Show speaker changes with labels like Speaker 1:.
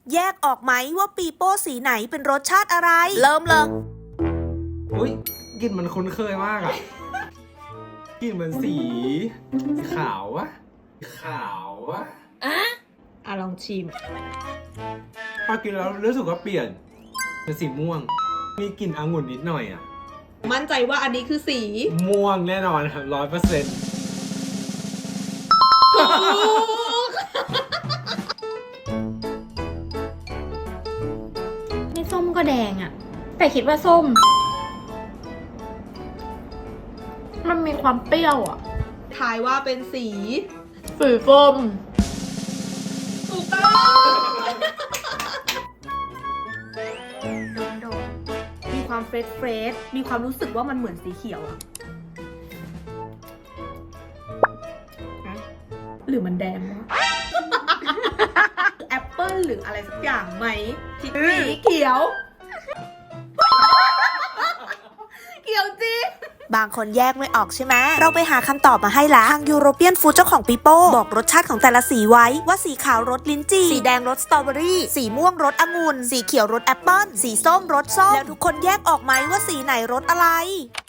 Speaker 1: แยกออกไหมว่าปีโป้สีไหนเป็นรสชาติอะไรเริ่มเลย
Speaker 2: อุ้ยกลิ่นมันคุ้นเคยมากอ่ะกลิ่นเหมือนสีขาววะขาววะ
Speaker 3: ลองชิม
Speaker 2: พอกินแล้วรู้สึกว่าเปลี่ยนเป็นสีม่วง มีกลิ่นองุ่นนิดหน่อยอ่ะ
Speaker 3: มั่นใจว่าอันนี้คือสี
Speaker 2: ม่วงแน่นอนครับ100%
Speaker 4: ไม่ส้มก็แดงอะแต่คิดว่าส้ม มันมีความเปรี้ยวอะ
Speaker 3: ทายว่าเป็นสี
Speaker 4: สีส้ม
Speaker 3: ถูกต้อง
Speaker 1: มีความเฟรชมีความรู้สึกว่ามันเหมือนสีเขียวอะ
Speaker 3: หรือมันแดงวะ แอปเปิ้ลหรืออะไรสักอย่างไหมสีเขียว เขียวจริง
Speaker 1: บางคนแยกไม่ออกใช่ไหมเราไปหาคำตอบมาให้ละทางยูโรเปียนฟู้ดเจ้าของปีโป้บอกรสชาติของแต่ละสีไว้ว่าสีขาวรสลิ้นจี่สีแดงรสสตรอเบอรี่สีม่วงรสองุ่นสีเขียวรสแอปเปิ้ลสีส้มรสส้มแล้วทุกคนแยกออกไหมว่าสีไหนรสอะไร